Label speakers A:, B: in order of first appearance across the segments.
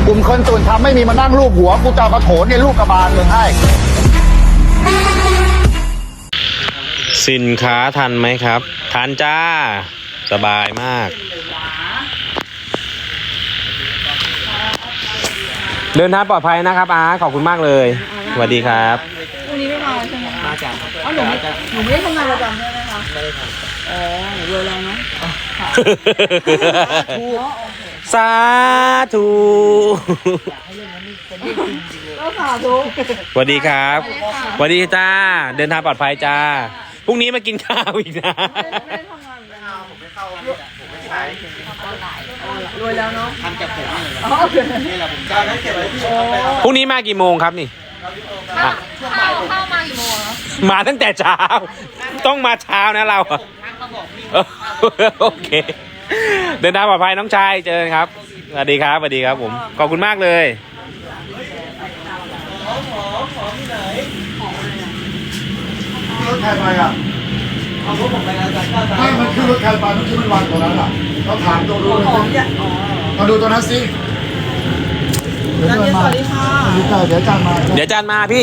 A: กลุ่มคนส่วนทำไม่มีมานั่งรูปหัวกูจะเอากระโถนในลูกกระบาลมึงให้
B: สินค้าทันไหมครับทันจ้าสบายมากเดินทางปลอดภัยนะครับอาขอบคุณมากเลยสวัสดีครับ
C: พรุ่งนี้ไม่มาใช่ไหม
D: มาจาก
C: อ๋อหนูไม่ได้ทำงานประจำใช่ไหมคะไม่ได้ทำอ๋อหนูรวยแล้วเนาะ
B: สาธุ
C: ก็สาธุ
B: สวัสดีครับสวัสดีจ้าเดินทางปลอดภัยจ้าพรุ่งนี้มากินข้าวอีกนะ
C: ไม่ได้ทำงานเลยผมไม่เข้าผมไม่ใช้รวยแล้วเนาะ
D: ทำจากผม
C: นี่
D: แหละผมจะได้เก็บไว้ที่
B: พรุ่งนี้มากี่โมงครับนี่
C: เข้ามากี่โมง
B: มาตั้งแต่เช้าต้องมาเช้านะเราโอเคเดินทางปลอดภัยน้องชายเจอกันครับสวัสดีครับสวัสดีครับผมขอบคุณมากเลย
A: รถใครไปอ่ะ
D: เอารถผมไปแล้วจ้ะ
A: ไม่มันคือรถใครไปมันคือมันวางตรงนั้นอ่ะเราถามตัวรู้เลยมาดูตัวนั้นสิ
C: สวัสดีค่ะ
A: เดี๋ยวจานมา
B: เดี๋ยวจานมาพี่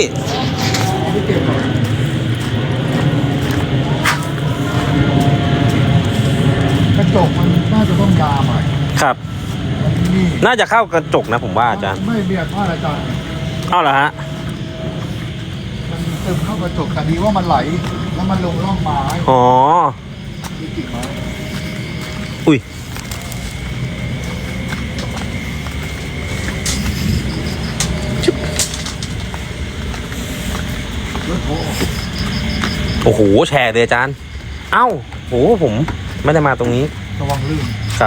A: กระจกมันน่าจะต้องยาใหม่
B: ครับน่าจะเข้ากระจกนะผมว่าอาจารย์
A: ไม่เบียดพลาดอาจารย์
B: เอาเหรอฮะ
A: มันเติมเข้ากระจกแต่ดีว่ามันไหลแล้วมันลงร่องไม้
B: อ๋อ
A: มีกิ่งไม้
B: อุ้ยโอ้โหแชร์เลยอาจารย์เอ้าโหผมไม่ได้มาตรงนี้
A: ระวังลื่น
B: ครับ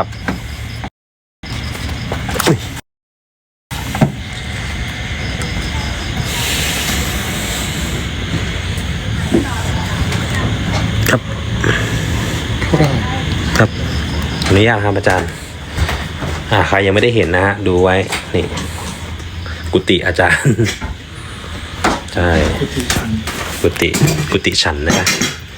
B: ครับครับอนุญาตครับอาจารย์ใครยังไม่ได้เห็นนะฮะดูไว้นี่กุฏิอาจารย์ใช่กุฏิฉันนะครับ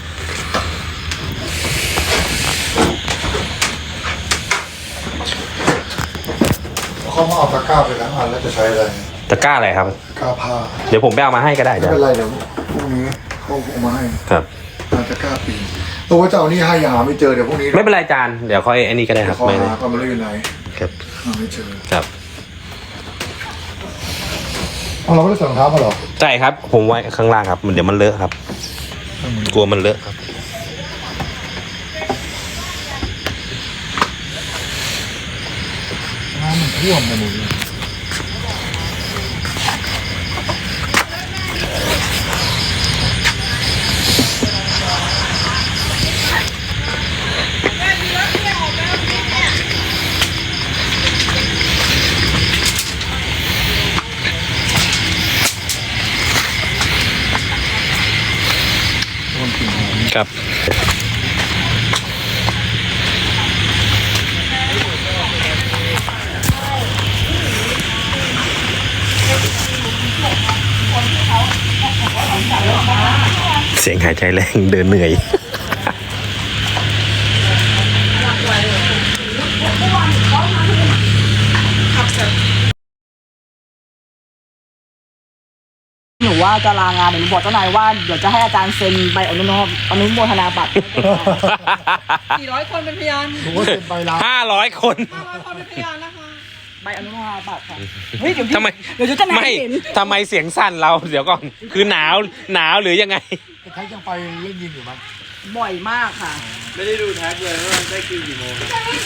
A: เขามาเอาตะกร้าไปแล้วแล้วจะใช้อะไร
B: ตะกร้าอะไรครับ
A: ตะกร้าผ้า
B: เดี๋ยวผมไปเอามาให้ก็ได้จ้ะ
A: ไม่เป็นไรเดี๋ยวพรุ่งนี้เขาเอามาให้
B: ครับ
A: ตะกร้าปีตัวว่าเจ้านี่ให้ยังหาไม่เจอเดี๋ยวพรุ่งนี้
B: ไม่เป็นไรจานเดี๋ยวค่อยไอ้นี่ก็ได้ครับ
A: ไม่หาก็ไม่รู้อยู่ไหน
B: ครับ
A: หาไม่เจอ
B: ครับ
A: เราไม่ได้ใส่รองเท้ามาหรอ
B: ใช่ครับผมไว้ข้างล่างครับเดี๋ยวมันเลอะครับกลัวมันเลอะครับ
A: น้ำมันท่วมไปหมดเลย
B: ครับเสียงหายใจแรงเดินเหนื่อย
C: หนูว่าจะลางานเดี๋ยวหนูบอกเจ้านายว่าเดี๋ยวจะให้อาจารย์เซ็นใบอนุโมทนาบัตร400 คนเป็นพยาน
A: ผมว่าเซ็นใบลา
B: 500 คน
C: เป็นพยานนะคะใบอนุโมทนาบัตรค่ะเฮ้ยเดี๋ยว
B: ทำไม
C: เดี๋ยวจะ
B: ไม่ทำไมเสียงสั่นเราเดี๋ยวก่อนคือหนาวหรือยังไง
A: แท็กยังไปเล่นยิมอยู่มั้ย
C: บ่อยมากค่ะ
D: ไม่ได้ดูแท็กเลยว่าได้คิวกี่โมง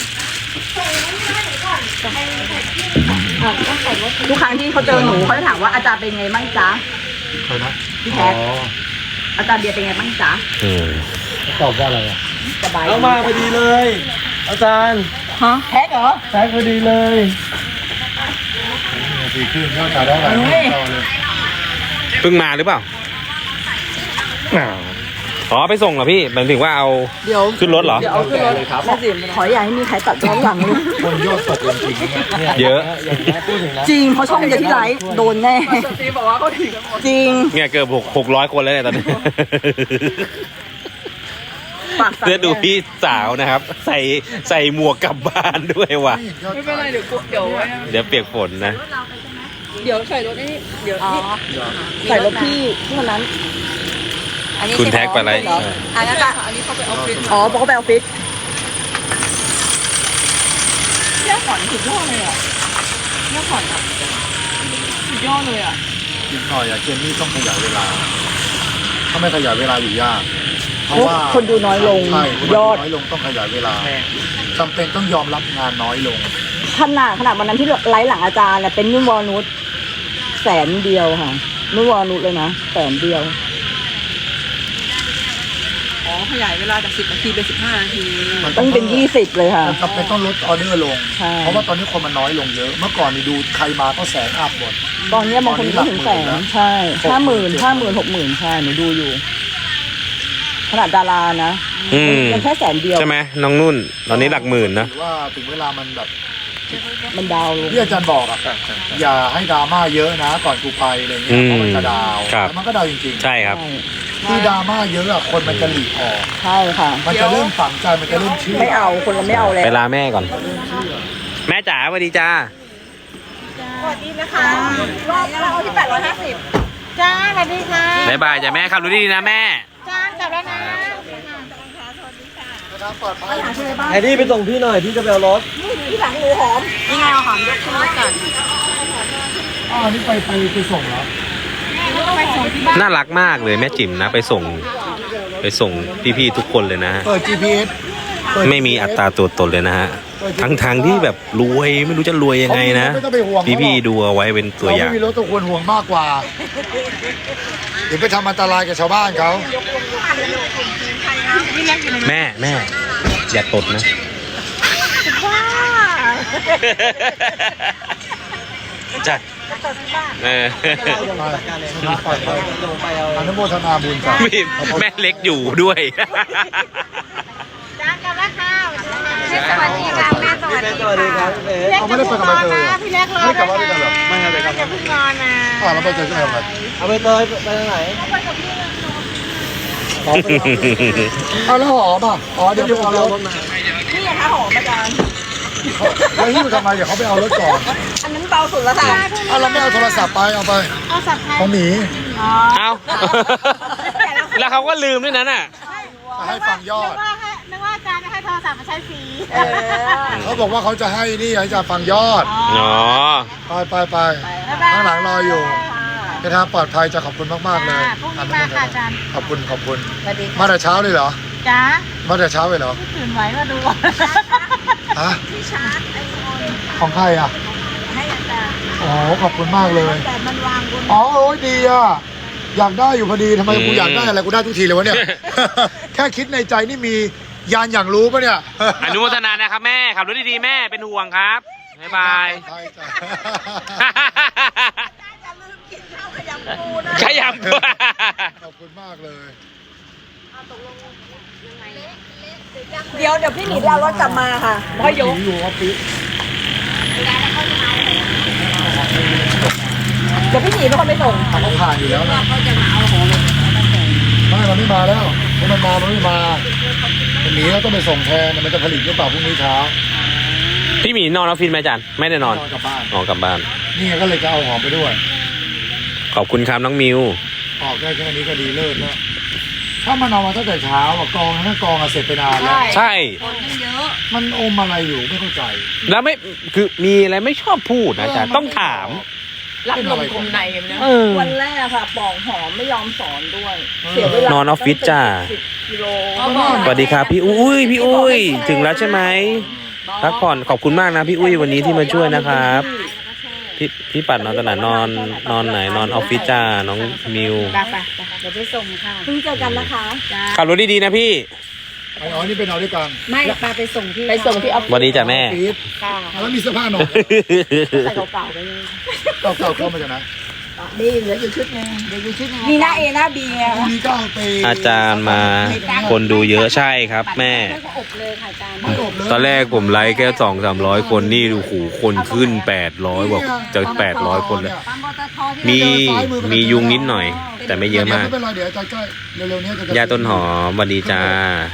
C: ทุกครั้งที่เขาเจอหนูเขาจะถามว่าอาจารย์เป็นไงบ้างจ๊ะ
A: ใครนะ
C: พี่แท็กอาจารย์เบียร์เป็นไงบ้างจ๊ะ
A: ตอบว่าอะไรอ่ะ
C: สบาย
D: เอามาพอดีเลยอาจารย์
C: ฮะแท็กเหรอ
D: แท็กพอดีเลย
A: ดีขึ้นยอดขายได้หลายเลย
B: เพิ่งมาหรือเปล่าอ๋อไปส่งเหรอพี่หมายถึงว่าเอา
C: เดี๋ยว
B: ขึ้นรถเหรอ
C: เดี๋ยวเอาขึ้นรถครับไม่สิขออย่าให้มีใครตัดย้อนหลังเลย
A: คนยอดตกจริง
B: เยอะ
C: จริงเพราะช่องเดียวที่ไลฟ์โดนแน่ตีบอกว่าเขาถึงจริง
B: เนี่ยเกือบ600 คนแล้วเนี่ยตอนนี้
C: ปากสั่น
B: เพื่อดูพี่สาวนะครับ ใส่หมวกกลับบ้านด้วยว่ะ
A: ไม่เห็นยอด
C: ไม่เป็นไรเดี๋ยว
B: เดี๋ยวเปียกฝนนะ
C: เดี๋ยวใส่รถนี่เดี๋ยวนี่ใส่รถพี่ที่วันนั้น
B: คุณแท็กไปอะไร
C: อันนั้นอะอันนี้เขาไปออฟฟิศอ๋อบอกเขาไปออฟฟิศเนี่ยขอนสุดยอดเลยอ่ะเนี่ยขอนอะสุดยอดเลยอ่ะ
A: กินหน่อยอะเจนนี่ต้องขยายเวลา ถ้าไม่ขยายเวลาอยู่ยาก เพราะว่า
C: คนดูน้อยลง
A: ใช่คนดู
C: ยอด
A: น้อยลงต้องขยายเวลาจำเป็นต้องยอมรับงานน้อยลง
C: ขนาดวันนั้นที่ไลฟ์หลังอาจารย์น่ะเป็นนุ่นวอลนุช100,000ค่ะนุ่นวอลนุชเลยนะ100,000อ๋อขยายเวลาจาก10 นาทีเป็น15 นาที ต้องเป็น20เลยค่ะ
A: มันจำเป็นต้องลดออเดอร์ลง
C: ใช่
A: เพราะว่าตอนนี้คนมันน้อยลงเยอะ เมื่อก่อนนี่ดูใครมาก็แสนอัพหมด
C: ตอนเนี้ยบางคนไม่ถึงแสนใช่50,000 60,000ใช่หนูดูอยู่ ขนาดดารานะ
B: อืม
C: ยังแค่100,000
B: ใช่ไหมน้องนุ่น ตอนนี้หลักหมื่นนะ
A: หรือว่าถึงเวลามันแบบ
C: มันดาวลง
A: ที่อาจารย์บอกอะอย่าให้ดราม่าเยอะนะ ก่อนกูไปอะไรเงี้ยเพราะมันจะดาว
B: ครับ
A: แล้วมันก็ดาวจริงๆ
B: ใช่ครับ
A: ที่ดราม่าเยอะอะคนมันจะหลีกออก
C: ใช่ค่ะ
A: มันจะเริ่มฝังใจมันจะเริ่มเชื่อ
C: ไม่เอาคนเราไม่เอาแล้ว
B: ไปลาแม่ก่อน แม่จ๋าสวัสดีจ้า
C: สวัสดีนะคะรอบเราที่850
E: จ้าสวัสดีค่ะ
B: บ๊ายบายจ้ะแม่ขับรถดีๆนะแม่
E: จ้ากลับแล้วนะ
A: ปลอดภัย
D: ไอ้นี่ไปส่งพี่หน่อยพี่จะไปเอารถ
C: ที่หลังหมูหอมนี่ไงเอาหอมยกขึ้นรถก่อน
A: นี่ไปส่งแล้ว
B: น่ารักมากเลยแม่จิ๋มนะ ไปส่งพี่ๆทุกคนเลยนะฮะ
A: เปิด GPS
B: ไม่มีอัตราตัวตนเลยนะฮะ ทางที่แบบรวยไม่รู้จะรวยยังไงนะ
A: ไม่ต้องไปห่วงเขาหรอก
B: พี่ๆดูเอาไว้เป็นตัวอย่าง
A: เราไม่มีรถตัวควรห่วงมากกว่า เดี๋ยวไปทำอันตรายกับชาวบ้านเขา
B: แม่อย่าตดนะ จ้ะเออ
A: ปลอดภัยอนุโมทนาบุญจ้ะ
B: แม่เล็กอยู่ด้วย
E: จ้ากลับแล้วค่ะสวัสดีค่ะแม่สวัสดี
D: สวัสดีครับพี่เบส
A: เขาไม่ได้ไปกับใบเตยเหรอ
E: พี่เล็กรอ
A: ไม่ได้กลับบ้านด้วยกันเหรอ
D: ไม่ครับ
E: อย่าเพิ่งนอนนะ
A: แล้วใบเตยจะไปทำอะไร
D: เอาไปเตยไปทางไหน
A: เอาแล้วหอมอ่ะอ๋อเดี๋ยวไปเอารถ
C: นี่ไงคะหอมอาจารย์
A: แล้วหิ้วทำไมเดี๋ยวเขาไปเอารถก่อน
C: อันนั้นเบาสุดแล้วค่ะ
A: เอาเราไม่เอาโทรศัพท์ไปเอาไป
E: เอาสับไทย
A: ของหมี
B: เอาแล้วเขาก็ลืมด้วยนั้นอ่ะ
A: ให้ฟังยอด
E: นึกว่าอาจารย์จะให้โทรศัพท์มาใช้ฟรี
A: เขาบอกว่าเขาจะให้นี่ให้จะฟังยอด
B: อ๋อ
A: ไปข้างหลังรออยู่ไปทางปลอดภัยจะขอบคุณมากๆเลย
E: พรุ่งนี้มาค่ะอาจารย์
A: ขอบคุณ
E: สวัสดี
A: มาแต่เช้าเลยเหรอ
E: จ้า
A: มาแต่เช้าเลยเหรอ
E: ตื่นไว้มาดู
A: ฮะ
E: ที่ชาร์จไอโฟน
A: ของใครอ่ะ
E: ให้อาจารย์
A: อ๋อขอบคุณมากเลย
E: แต่มันวางบน
A: อ๋อโอ้ยดีอ่ะอยากได้อยู่พอดีทำไมกูอยากได้อะไรกูได้ทุกทีเลยวะเนี่ย แค่คิดในใจนี่มียานอย่างรู้ปะเนี่ย
B: อนุโมทนานะครับแม่ขับรถดีๆแม่เป็นห่วงครับบ๊ายบาย
A: ใช่จ้ะ
B: ขยำปู
A: ขอบคุณมากเลย
C: เดี๋ยวพี่หมีไปเอารถกลับมาค่ะพ่อยก
A: อยู่ออฟฟิศ
C: เดี๋ยวพี่หมีเป็นคนไปส่ง
A: เขาผ่านอยู่แล้วนะเขาจะมาเอาของไม่มันไม่มาแล้วเพราะมันไม่มามันหนีแล้วต้องไปส่งแทนมันจะผลิตหรือเปล่าพรุ่งนี้เช้า
B: พี่หมีนอนออฟฟิศไหมอาจารย์ไม่ได้นอน
A: กลับบ้าน
B: อ๋อกลับบ้าน
A: นี่ไงก็เลยจะเอาหอมไปด้วย
B: ขอบคุณครับน้องมิว
A: ออกได้แค่นี้ก็ดีเลิศแล้วถ้ามันเอามาตั้งแต่เช้าอะกองทั้งกองอะเสร็จไปนานแล้ว
B: ใช่
A: มันอมอะไรอยู่ไม่เข้าใจ
B: แล้วไม่คือมีอะไรไม่ชอบพูดนะอาจารย์ต้องถาม
C: รับลมคมในนะ
B: เออ
C: วันแรกค่ะปองหอมไม่ยอมสอนด้วย เสียเวลาน
B: อนออฟฟิศจ้า
C: 10 กิโล
B: สวัสดีครับพี่อุ้ยพี่อุ้ยถึงแล้วใช่ไหมพักผ่อนขอบคุณมากนะพี่อุ้ยวันนี้ที่มาช่วยนะครับพี่ปัดนอนตอนไหนนอนไหนนอนออฟฟิศจ้าน้องมิว
E: ไปเดี๋ยวไปส่งค่ะ
C: เพิ่งเจอกันนะคะ
B: ขับรถดีๆนะพี่
A: อ๋อนี่เป็นเอาด้วยกัน
E: ไม่ปาไปส่งที่
C: ไปส่งที่ออฟฟิศ
B: วันนี้จ้ะแม่
A: ออฟฟิศ
E: ค่ะ
A: แล้วมีเสื้อผ้าหนอน
C: ใส่เก่าๆไปเลย
A: เก่าๆเข้ามาจากไหน
C: นี่เหลืออยู่ชุดนึง
E: เดี๋ยวดูชุดหนึง
C: มีหน้าเอหน้าบีไง
A: พรุ่งนี้ก็เอาไป
B: อาจารย์มาคนดูเยอะใช่ครับแม่
E: ก็อบเลยค่ะอาจารย์
A: ไม่อบเลย
B: ตอนแรกผมไลค์แค่200-300 คนนี่ดูหูคนขึ้น800บอกจะ800 คนแล้ว
E: ปั๊มปตทที่
B: มียุงนิดหน่อย แต่ไม่เยอะมาก
A: ไม่เป็นไรเดี๋ยวอาจารย์ใกล้เร็วๆนี้จะ
B: ยาต้นหอมสวัสดีจ้า
A: เ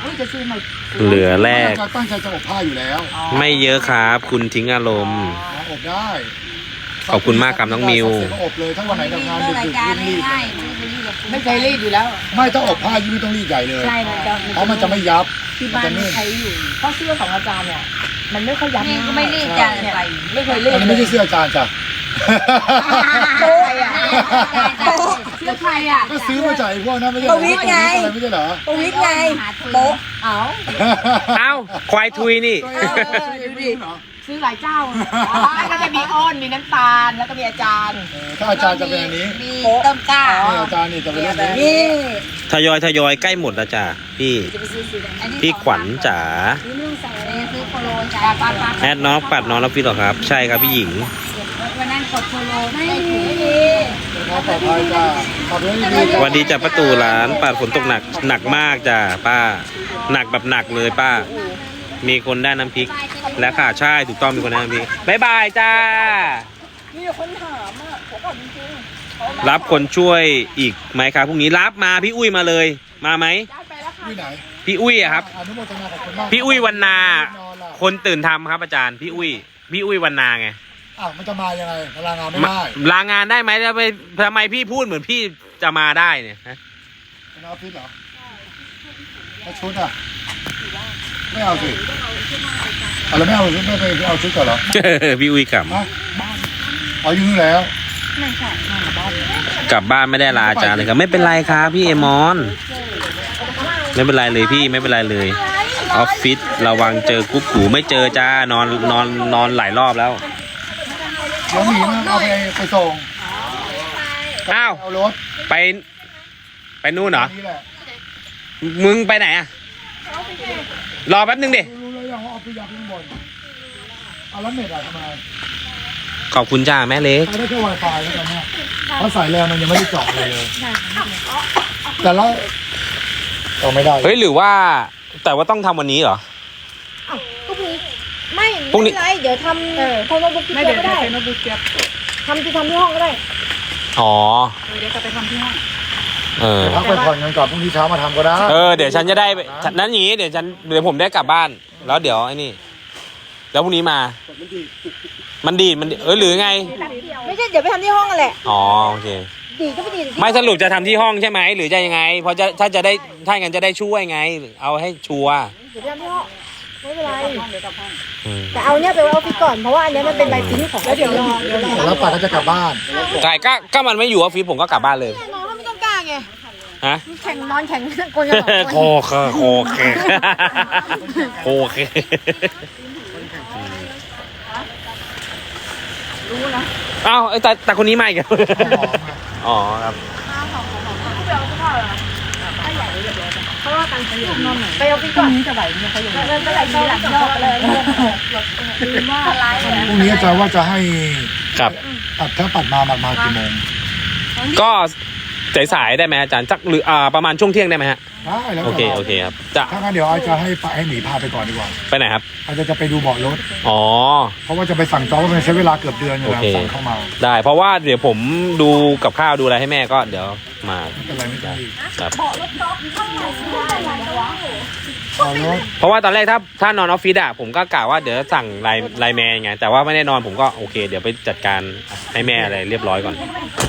C: จะซื้อใหม่
B: เหลือแรก
A: จะตั้งใจจะอบผ้าอยู่แล้ว
B: ไม่เยอะครับ คุณทิ้งอารมณ์
A: อบได้
B: ขอบคุณมากครับน้องมิว
A: เสร็จก็อบเลยถ้าวันไหนทำงานดึ
E: ราย
A: ก
E: การ
A: ๆรีบ
E: ง่ายๆไม่เคยรีบกับคุณ
C: ไม่เคยรีดอยู่แล้ว
A: ๆไม่ถ้าอบผ้ายิ่งไม่ต้องรีดใหญ่เลย
E: ใช่มันจะ
A: เพราะมันจะไม่ยับ
E: ที่บ้านไม่ใช้อยู่
C: เพราะเสื้อของอาจารย์เนี่ย มันไม่ค่อยยับ
E: นี่ก็ไม่รีบจะใส่
C: ไม่เคยรีด
A: อันนี้ไม่ใช่เสื้ออาจารย์จ้ะ
C: โป๊ะอ่ะ
E: เสื้อใครอ่ะ
A: ก็ซื้อมาจากไอ้พวกนั้นไม่ใช่เหรอ
C: ประวิตรไง
A: อะไรไม่ใช่เหรอ
C: ประวิตรไงโป๊ะเอ้า
B: เอ้า ควายทุยนี่
C: ดูดิซื้อหลายเจ้าก็จะมีอ้อนมีน้ำตาลแล้วก็มีอาจารย์
A: ถ้าอาจารย์จะเป็นอันนี้
E: มีต้มกล้า
A: นี่อาจารย์นี่จะเป็นเรื่องนี้
C: นี่
B: ทยอยใกล้หมดแล้วจ้ะพี่ พี่ขวัญจ๋า
E: ซื้อโคโลจ้าป้า
B: แอดน้องปัดน้องรับพี่หรอครับ ใช่ครับพี่หญิง
E: วันนั้นกดโคโลไม่ถูก
A: ขอปลอดภัยจ้าขอบคุณดีๆ
B: สวัสดีจ้ะประตูร้านปัดฝนตกหนักมากจ้ะป้า หนักแบบหนักเลยป้า มีคนได้น้ำพริก และค่ะใช่ถูกต้องมีคนได้น้ำพริกบ๊ายบายจ้า
C: มีคนถามอ่ะผมบอกจริง
B: รับคนช่วยอีกไหมครับพรุ่งนี้รับมาพี่อุ้ยมาเลย มาไหม
C: ๆได้ไปแล้วค่ะ
A: ที่ไหน
B: พี่อุ้ยอะครับ
A: อนุโมทนาขอบคุณมาก
B: พี่อุ้ยวันนา
A: นอนล่ะ
B: คนตื่นทำครับอาจารย์พี่อุ้ยวันนาไง
A: อ้าวมันจะมายังไงพลังงานไม่
B: มา
A: ได้
B: ลางานได้ไหมทำไมพี่พูดเหมือนพี่จะมาได้เนี่ยฮะ
A: เป็นออฟฟิศเหรอแล้วชุดอ่ะไม่เอาสิเอาแล้วไม่เอาชุดไม่ไปเอาชุดก่อนเหรอ
B: พี่อุ้ยกลับ
A: ฮะเอาอยู่นู่นแล้ว
B: กลับบ้านไม่ได้ลาอาจารย์เลยครับไม่เป็นไรครับพี่เอมอน ไม่เป็นไรเลยพี่ไม่เป็นไรเลยออฟฟิศระวังเจอกุ๊กกูไม่เจอจ้านอนหลายรอบแล้ว
A: เดี๋ยวหมีมันเอาไปส่ง
B: อ้าว
A: เอารถ
B: ไปนู่นเหรอ
A: นี่แหละ
B: มึงไปไหนอะรอแป๊บนึงดิ
A: รู้แล้วยังว่าเอาไปยัดข้างบนเอาแล้วเน็ตอะทำไม
B: ขอบคุณจ้าแม่เล็ก
A: ใช้ได้แค่ Wi-Fi แล้วตอนเนี้ยเพราะสายแรงมันยังไม่ได้เจาะอะไรเลยแต่ละเอาไม่ได้
B: เฮ้ยหรือว่าแต่ว่าต้องทำวันนี้เหรอ
F: ก็พรุ่งนี้ไม่
B: พรุ่งนี้
F: ไม่เป็นไรเดี๋ยวทำโทรโน้ตบุ๊กที่
C: ไม่
F: เดี
C: เดี๋
F: ย
C: ยว ว
F: ก็ได้
C: ใช้โน้ตบุ๊กเก็บ
F: ทำที่ห้องก็ได้
B: อ๋อ
C: เดี๋ยวจะไปทำที่ห้อง
B: เออ
A: พักไปผ่อนกันก่อนพรุ่งนี้เช้ามาทำก็ได้
B: เดี๋ยวฉันจะได้นั้นอย่างนี้เดี๋ยวผมได้กลับบ้าน แล้วเดี๋ยวไอ้นี่ แล้วพรุ่งนี้มา มันดีดหรือไง
F: ไม่ใช่เดี๋ยวไปทำที่ห้องกันแหละ
B: อ๋อโอเค
F: ดีก็ไปดี
B: ไม่สรุปจะทำที่ห้องใช่ไหมหรือจะยังไงเพราะถ้างั้นจะได้ช่วยไง เอาให้ชัวร์
F: เดี๋ยวไปทำที่ห้องไม่เป็นไร
B: อืม
F: แต่เอาเนี้ยไปไว้ออฟฟิศก่อนเพราะว่าอันเนี้ยมันเป็นใบปริ้นของแล้วเดี๋ยวรอ
A: แล้วป่าก็จะกลับบ้าน
B: ใช่ก็มันไม่อยู่ออฟฟิศผมก็กลับบ้านเลย
F: น้องไม่ต้องกล้าไง
B: ฮะ
F: แข่งนอนแข่งคนจะบอก
B: โคเคโคเคอ้าวแต่คนนี้มาอีกอ๋อครับ
F: ไปออฟฟิศก่อน
C: จะไหวเนี่ยเขาอยู่
F: ไม่เป็นไรทีหลังรอบเลย
A: พรุ่งนี้อาจารย์ว่าจะให้
B: ครับ
A: ถ้าปัดมากี่โมง
B: ก็สายๆได้ไหมอาจารย์สักหรือประมาณช่วงเที่ยงได้ไหมฮะ
A: ได้แล้ว
B: โอเคครับจะ
A: ถ้างั้นเดี๋ยวอาจจะให้ให้หมีพาไปก่อนดีกว่า
B: ไปไหนครับ
A: อาจจะไปดูเบาะรถ
B: อ๋อ
A: เพราะว่าจะไปสั่งจองว่ามันใช้เวลาเกือบเดือนอยู่แล้ว
B: โอเค
A: สั่งเข้ามา
B: ได้เพราะว่าเดี๋ยวผมดูกับข้าวดูอะไรให้แม่ก็เดี๋ยวมา
A: ไม่เป็นไรไม่ต้องรีบ
B: ครับ
A: เอารถ
B: เพราะว่าตอนแรกถ้านอนออฟฟิศอะผมก็กะว่าเดี๋ยวสั่งไลน์แมนไงแต่ว่าไม่ได้นอนผมก็โอเค เดี๋ยวไปจัดการให้แม่อะไรเรียบร้อยก่อน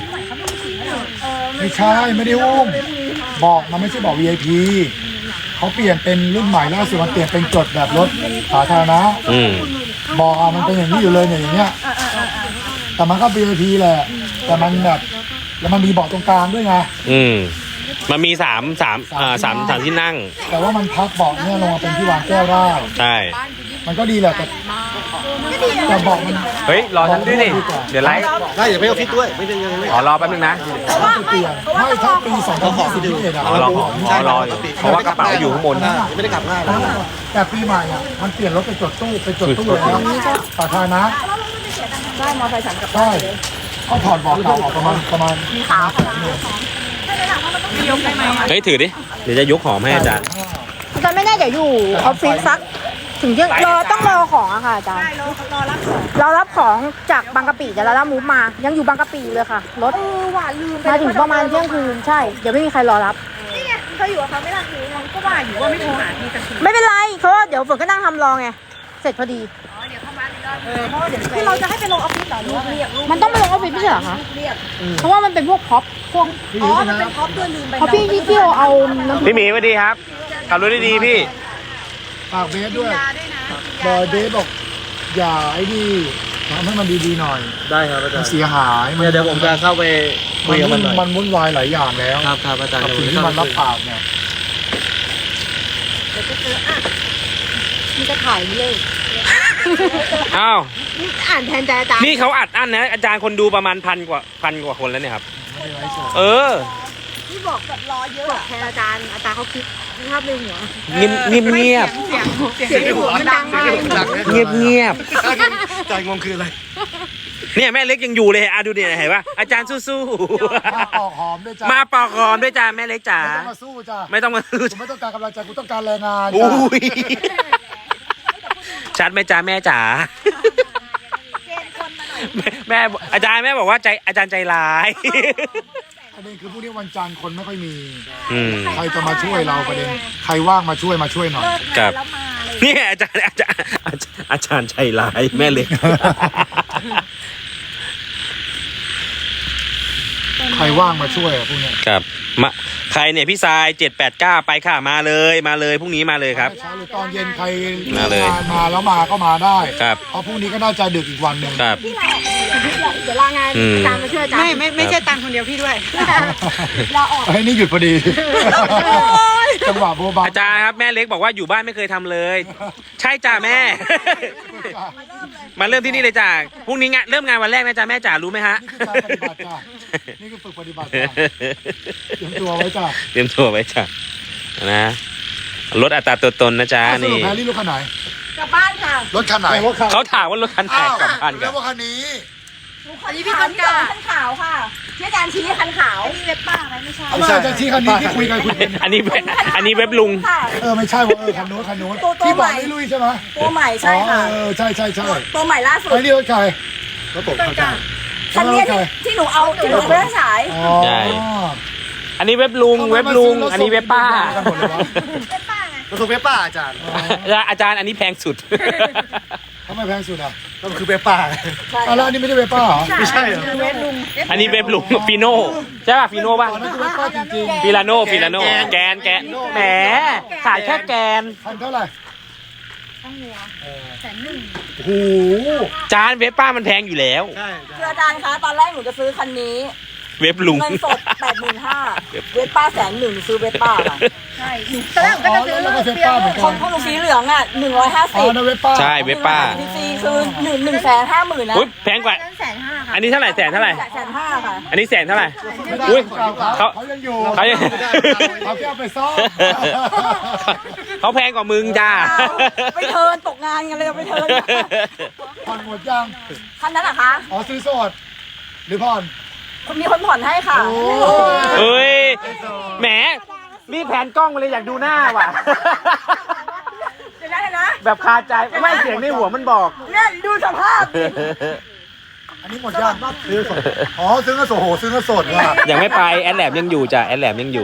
A: ไม่ใช่ไม่ได้อุ้มบอกมันไม่ใช่บอก VIP เขาเปลี่ยนเป็นรุ่นใหม่ล่าสุดมันเปลี่ยนเป็นจดแบบรถสาธารณะ
B: อืม
A: บอกมันเป็นอย่างนี้อยู่เลยเนี่ยอย่างเงี้ยแต่มันก็ VIP แหละแต่มันแบบแล้วมันมีเบาะตรงกลางด้วยไง
B: อืมมันมีสามที่นั่ง
A: แต่ว่ามันพับเบาะเนี่ยลงมาเป็นที่วางแก้วได้
B: ใช่
A: มันก็ดีแหละแต่เบาะมัน
B: เฮ้ยรอฉันด้วยดิเดี๋ยวไลฟ์
D: ได้เดี๋ยวไปออฟฟิศด้วยไม่เป็นยังไง
B: อ๋อรอแป๊บนึงนะ
A: ต้องเปลี่ยนไม่ถ้าปี2021อะ
B: อ๋อรออยู่เพราะว่ากระเป๋าอยู่ข้างบน
D: ไม่ได้กลับง่ายนะ
A: แต่ปีใหม่อ่ะมันเปลี่ยนรถไปจดตู้แล้วสาธารณะ
C: ได้มอเตอร์ไซค์ฉันกับ
A: ใช่เขาถอดเบาะเก่าออกประมาณ
C: มียกได้ไหม
B: เฮ้ยถือดิเดี๋ยวจะยกหอมให้อาจารย์
F: อาจารย์ไม่แน่เดี๋ยวอยู่ออฟฟิศสักถึงเที่ยงต้องรอของอะค่ะอาจารย์รอรับของจากบางกะปิเดี๋ยวเรามูฟมายังอยู่บางกะปิอยู่เลยค่ะรถมาถึงประมาณเที่ยงคืนใช่เดี๋ยวไม่มีใครรอรับเคยอยู่กับเขาไม่ล่ะคือ
C: เราก็ว่าอยู่ว่าไม่โทรหาพี่สักที
F: ไม่เป็นไรเพราะว่าเดี๋ยวฝนก็นั่งทำรอไงเสร็จพอดี
E: เดี๋ยวเข้ามาอีกรอบ
C: เพราะว่าเดี๋ยวคือเราจะให้ไปลงออฟฟิศเหรอหรือว่าเรียก
F: มันต้องไปลงออฟฟิศไม่ใช่เหรอคะเพราะว่ามันเป็นพวกพ็อปพวก
C: อ๋อมันเป็นท็อปด้วยลืมไป
F: เพราะพี่ที่เที่ยวเอาน้ำ
B: พี่หมีสวัสดีครับขับรถดีๆพี่
A: ฝากเบสด้วยบอยเบสบอกอย่าไอ้นี่ทำให้มันดีๆหน่อย
D: ได้ครับอาจา
A: มั
D: ร
A: น
D: ย์
A: เสียหาย
D: เดี๋ยวผมจะเข้าไปคุยกับมันหน่อย
A: มันวุ่นวายหลายอย่างแล้ว
D: ครับอาจารย์
A: กับสิ่งที่มันรับปากเนี่ย
F: มันจะถ่ายไม่เลย
B: อ้าว
F: อ่านแทนใจอาจารย์
B: นี่เขาอัดอั้นนะอาจารย์คนดูประมาณพันกว่าคนแล้วเนี่ยครับ
A: ไม่ได้ไลฟ์สด
B: เออ
F: ที่บอกแบบรอเยอะบอกแทนอาจารย์เขาคิดภาพในหัว
B: เงียบ
F: เสียงในหัวมันดังมาก
B: เงียบ
D: ใจงงคืออะไร
B: เนี่ยแม่เล็กยังอยู่เลยดูดิเห็นปะอาจารย์สู้
A: มาปอกหอมด้วยจ้ะ
B: ๆมาปอกหอมด้วยจ้าแม่เล็กจ๋า
A: ไม่ต้องมาสู้จ้ะ
B: ไม่ต้องมาสู้
A: กูไม่ต้องการกำลังใจกูต้องการแรงงาน
B: อุ้
A: จ้ะ
B: ยชัดไหมจ้าแม่จ๋าแม่อาจารย์แม่บอกว่าใจอาจารย์ใจร้าย
A: ประเด็นคือพรุ่งนี้วันจันทร์คนไม่ค่อยมี
B: อืม
A: ใครจะมาช่วยเราประเด็นใครว่างมาช่วยหน่อย
B: ครับเนี่ยอาจารย์ใจร้ายแม่เล็ก
A: ใครว่างมาช่วยอะพวกเนี้ย
B: ครับมาใครเนี่ยพี่ทราย789ไปค่ะมาเลยพรุ่งนี้มาเลยครับ
A: เช้าหรือตอนเย็นใคร
B: มาเลย
A: งานมาแล้วมาก็มาได้
B: ครับ
A: เพราะพรุ่งนี้ก็น่าจะดึกอีกวันหนึ่ง
B: ครับ
F: เดี๋ยวลางาน
B: อืม
F: อาจารย์มาช่วยอาจารย์
C: ไม่ใช่ตังคนเดียวพี่ด้วย
F: ลาออก
A: ไอ้ยนี่หยุดพอดีจังหวะโบบา
B: อาจารย์ครับแม่เล็กบอกว่าอยู่บ้านไม่เคยทำเลย ใช่จ้าแม่ มาเริ่มที่นี่เลยจ้าพรุ่งนี้เริ่มงานวันแรกนะจ้าแม่จ๋ารู้ไหมฮะ
A: นี่คือการปฏิบัติจ้ะนี่คือฝึกปฏิบัติจ้ะเตรียมตัวไว้จ้ะ
B: เตรียมตัวไว้จ้านะลดอัตราตัวตนนะจ๊ะ
A: สรุ
B: นี่
A: ปแพรรี่รถคันไหน
F: กลับบ้านค่ะ
A: รถคันไหน
B: เขาถามว่ารถคันไหน
A: อ้าว
B: กลับบ้านกั
A: แล้
B: น
A: วว่าคันนี้
F: อันนี้พี่คันขาวคันขาวค่ะที่อาจารย์ชี้คันขาวนี่เว็บป้าไหมไม่ใช่
A: เอามาจะชี้คันนี้ที่คุยกันคุยกัน
B: อันนี้เว็บลุง
F: ค่ะ
A: ไม่ใช่ว่าคันโน้นที่บอกไม่ลุยใช่ไหม
F: ตัวใหม่ใช่ค่ะ
A: ใช่
F: ตัวใหม่ล่าสุด
A: ไอ้นี่รถใคร
D: แล้วผมเข้าใจ
F: คันนี้ที่หนูเอาไปให้ฉาย
A: อ๋อ
B: ใช่ อันนี้เว็บลุง อันนี้เว็บป้า
A: กันหมดเลยวะ
D: ก็คือเว็บป้าอาจารย์
B: อาจารย์อันนี้แพงสุด
A: ทำไมแพงสุดอ่ะ
D: ก็คือเว็บป้า
A: อ่ะแล้วอันนี้ไม่ได้เวป้าเหรอ
D: ไม่ใช่เหรอ
F: เว็บลุง
B: อันนี้เว็บลุงฟิโน่ใช่ป่ะฟิโน่ป่ะ
A: อ๋อนั่นคือเวป้าจริง
B: ฟิลาโน่แกนแหมขายแค่แกน
A: ๆคันเท่าไหร่
F: 100,000
A: โอ้โห
B: จานเว็บป้ามันแพงอยู่แล้ว
D: ใช่
C: คืออาจารย์คะตอนแรกหนูจะซื้อคันนี้
B: เว็บลุง
C: เงินสด 85,000เวสป้า100,000ซื้อเวสป้าค่ะ
F: ใช่ตอนแรกผมก็จะซื้อ
A: แล้วก็เวป้าเหมือน
C: ข
A: กั
C: อง
A: น
C: พวกหนูสีเหลืองอ่ะ
A: อ๋อนั่นเวป้า
B: ใช่เว็บป้า
C: 150ซีคือ150,000นะ
B: อุ้ยแพงกว่า
F: 150,000ค่ะ
B: อันนี้เท่าไหร่แสนเท่าไหร่
C: 150,000ค่ะ
B: อันนี้แสนเท่าไหร่
A: ไม่ได้
B: อุ้ย
A: เขา
B: เขา
A: ยังอยู่
B: เขายัง
A: เขาแค่เอาไปซ่อม
B: เขาแพงกว่ามึงจ้า
C: ไปเทิร์นตกงานกันเลยไปเทิร์น
A: ผ่อนหมดยัง
C: คันนั้นเหรอคะ
A: อ๋อซื้อสดหรือผ่อน
C: มีคนผ่อนให้ค่ะ
B: เอ้ยแหมรีบแผนกล้องมาเลยอยากดูหน้าว่ะ
C: เดี๋ยวนะ
B: แบบคาใจไม่เสียงในหัวมันบอก
C: เนี่ยดูสภาพ
A: อันนี้หมดยังซื้อสดอ๋อซื้อเงินสดโหซื้อเงินสดว่ะ
B: ยังไม่ไปแอดแลบยังอยู่จ้ะแอดแลบยังอยู่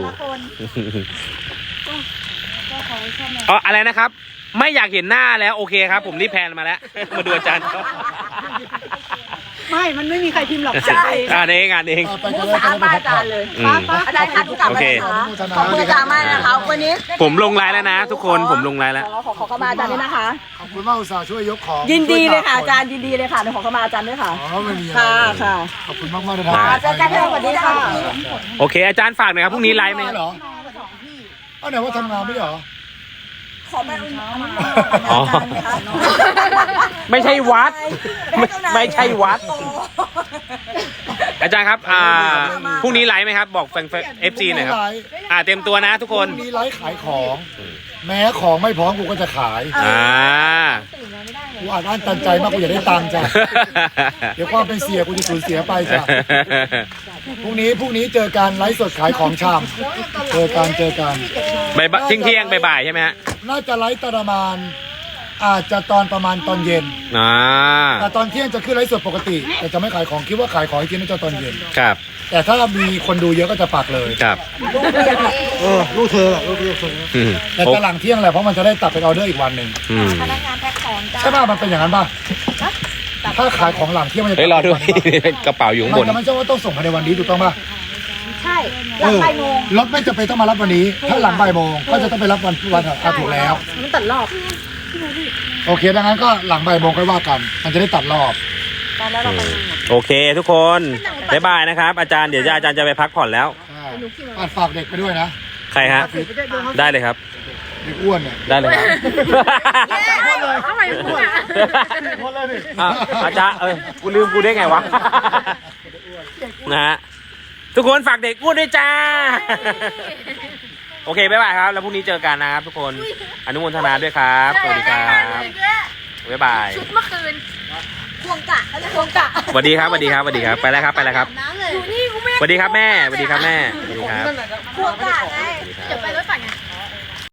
B: อ๋ออะไรนะครับ ไม่อยากเห็นหน้าแล้วโอเคครับ ผมรีบแพนมาแล้ว มาดูอาจารย์เขา
C: ไม่ มันไม่มีใครพิมพ์หรอกใช่
B: งานเอง
A: ไปกันเลย
C: ถามอาจารย์เลย
B: อืม
C: อาจารย์คะทุกกลับมาเลยนะคะขอบคุณอาจารย์มากนะคะวันนี้
B: ผมลงไลน์แล้วนะ ทุกคนผมลงไลน์แล้ว
C: ขอเข้ามาอาจารย์ด้วยนะคะ
A: ขอบคุณมากอุตส่าห์ช่วยยกของ
C: ยินดีเลยค่ะอาจารย์ยินดีเลยค่ะเดี๋ยวขอเข้ามาอาจารย์ด้วยค่ะ
A: อ๋อไม่มีอะไร
C: ค่ะค่ะ
A: ขอบคุณมากๆเลยนะ
C: อาจารย์กันสวัสดีค่ะ
B: โอเค อาจารย์ฝากหน่อยครับพรุ่งนี้ไลฟ์ไหม
A: เหรอเอาไหนว่าทำงานไม่เหรอ
C: ขอแม่อุ่น
B: อ๋อไม่ใช่วัด ไม่ใช่วัด อาจารย์ครับพรุ่งนี้ไลฟ์ไหมครับ บอกแฟนFC หน่อยครับเต็มตัวนะทุกคน
A: พรุ่งนี้ไลฟ์ขายของ แม้ของไม่พร้อมกูก็จะขาย กูอ่านอ่านตันใจมากกูอยากได้ตังค์จ้ะ เดี๋ยวความเป็นเสียกูจะสูญเสียไปจ้ะ พรุ่งนี้เจอกันไลฟ์สดขายของชำเจอกัน
B: เที่ยงบ่ายใช่ไหมฮะ
A: น่าจะไลฟ์ประมาณอาจจะตอนประมาณตอนเย็น แต่ตอนเที่ยงจะขึ้นไลฟ์สดปกติ แต่จะไม่ขายของคิดว่าขายของอีกทีน่าจะตอนเย็น
B: ครับ
A: แต่ถ้ามีคนดูเยอะก็จะปักเลย
B: ครับ
D: ลูกเธอลูกเธอ
B: อืม
A: แต่จะหลังเที่ยงแหละเพราะมันจะได้ตัดเป็นออเดอร์อีกวันหนึ่ง
B: อืม
F: พนักงานแพ็คของจ้า
A: ใช่ป่ะมันเป็นอย่างนั้นป่ะถ้าขายของหลังเที่ยงมันจะ
B: เฮ้ยรอด้วย กระเป๋าอยู่ข้างบ
A: มัน
B: น
A: จะไม่ใช่ว่าต้องส่งภายในวันนี้ถูกต้องป่ะ
F: ใช่หลังบ่ายโมง
A: รถไม่จำเป็นต้องมารับวันนี้ ถ้าหลังบ่ายโมงก็จะต้องไปรับวันถูกแล้ว
F: มันตัดรอบ
A: โอเคดังนั้นก็หลังบ่ายโมงค่อยว่ากัน มันจะได้ตัดรอบ
B: โอเคทุกคนบ๊ายบายนะครับ อาจารย์เดี๋ยวอาจารย์จะไปพักผ่อนแล้ว
A: ฝากเด็กไปด้วยนะ
B: ใครฮะ ได้เลยครับ
A: เด็กอ้วนเนี่ย
B: ได้เลยครับ
F: ทำไมพูดอ่ะ
B: อ่ะอาจารย์กูลืมกูได้ไงวะ นะฮะ ทุกคนฝากเด็กอ้วนด้วยจ้า โอเค บ๊ายบายครับ แล้วพรุ่งนี้เจอกันนะครับทุกคน อนุโมทนาด้วยครับ สวัสดีครับ บ๊ายบาย
F: ชุดเมื่อคืนควงกะเขาเรียกควงกะ
B: สวัสดีครับ สวัสดีครับ สวัสดีครับ ไปแล้วครับ ไปแล้วครับ
F: อยู่นี่กูไม่
B: สวัสดีครับแม่ สวัสดีครับแม่ สวัสดีครับ
F: ควงกะไง